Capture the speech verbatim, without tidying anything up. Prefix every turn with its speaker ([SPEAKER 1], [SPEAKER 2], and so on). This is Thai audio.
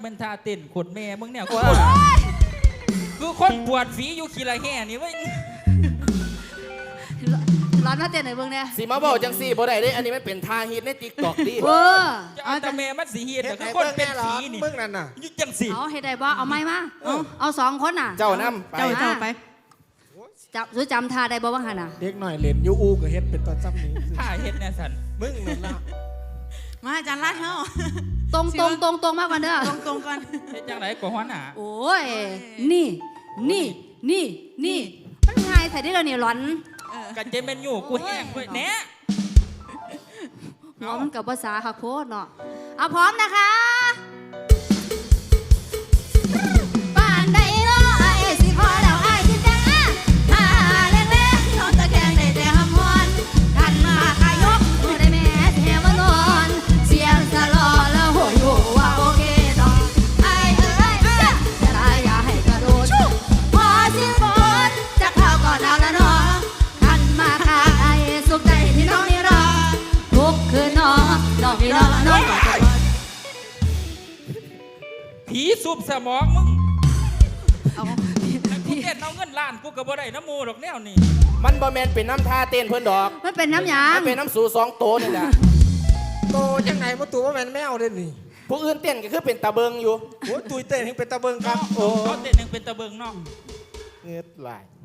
[SPEAKER 1] มันท่าเต้นขดแม่มึงเนี่ยกูคือคนปวดฝีอยู่ขี้ละแห่นี่เว้ย
[SPEAKER 2] ร้อนมาเต้นไหนเบิ่งเนี่ย
[SPEAKER 3] สีมาบอกจังสีบ่ได้เด้อันนี้มันเป็นทางฮิตในติ๊กต็อกดิ
[SPEAKER 2] เออ
[SPEAKER 1] จะเอาแต่แม่มันสีเฮียแต่คือคนเป็นฝีนี่
[SPEAKER 4] มึงนั่นน่ะ
[SPEAKER 1] ยึดจังสี
[SPEAKER 2] เอาให้ได้บ่เอาไม้มาเอาเอาสองคนน่ะ
[SPEAKER 3] เจ้าน้ำไป
[SPEAKER 2] เจ้าเจ้าไปจับรู้จำท่าได้บ่ว่าหั่นน่ะ
[SPEAKER 4] เด็กหน่อยเล่นยูอูกับเฮ็ดเป็นตอนจำนี้
[SPEAKER 1] ถ้าเฮ็ดแน่สัน
[SPEAKER 4] มึงนั่นละ
[SPEAKER 5] มาอาจารย์ไล่เฮา
[SPEAKER 2] ตรงตรงตรงตรงมากกว่าเด้อ
[SPEAKER 5] ตรงตรงๆก่อน
[SPEAKER 1] เฮ็ดจังไรกว่าหัวหน้า
[SPEAKER 2] โอ้ยนี่นี่นี่นี่มันง่ายใส่ได้แล้วนี่ร้อน
[SPEAKER 1] กันเจเป็นอยู่กูแห้งเว้ยแหน่
[SPEAKER 2] หัวมันกับภาษาค่ะโพดเนาะเอาพร้อมนะคะป่านใดเนาะไอ้สิพอแล้วไอ้สิจังอ่ะหาเล็กๆนอนตะแคงได้แต่หำฮอนกันมาขายกมือได้แม่แถมานอนเสียงสะลอแล้วโหยหัวโอเคดอกไอ้เอ้ยจะได้อย่าให้กระโดดพอสิ้นฝนจะเข้าก่อนเอาละเนาะกันมาขายสุขใจที่น้องนี่รอทุกคืนนอนนอนพี่นอนนอนก่อน
[SPEAKER 1] ผีสูบสมองมึง
[SPEAKER 2] เอา
[SPEAKER 1] แล้วกูเต้นเอาเงินล้านกูก็บ่ได้น้ำมูดอกแนวนี่
[SPEAKER 3] มันบ่แมนเป็นน้ำท่าเต้นเพื่อนดอก
[SPEAKER 2] มันเป็นน้ำยา
[SPEAKER 3] มันเป็นน้ำสูสองโตนี่แหละ
[SPEAKER 4] โตจังไหนมาตัวว่าแมนแมวเด้นี่
[SPEAKER 3] ผู้อื่นเต้นก็คือเป็นตาเบิงอยู่
[SPEAKER 4] โอ้ตุยเต้นให้เป็นตะเบิงครับโอ้
[SPEAKER 1] เขาเต้นยังเป็นตะเบิงเนาะ
[SPEAKER 3] เงือดไหลาย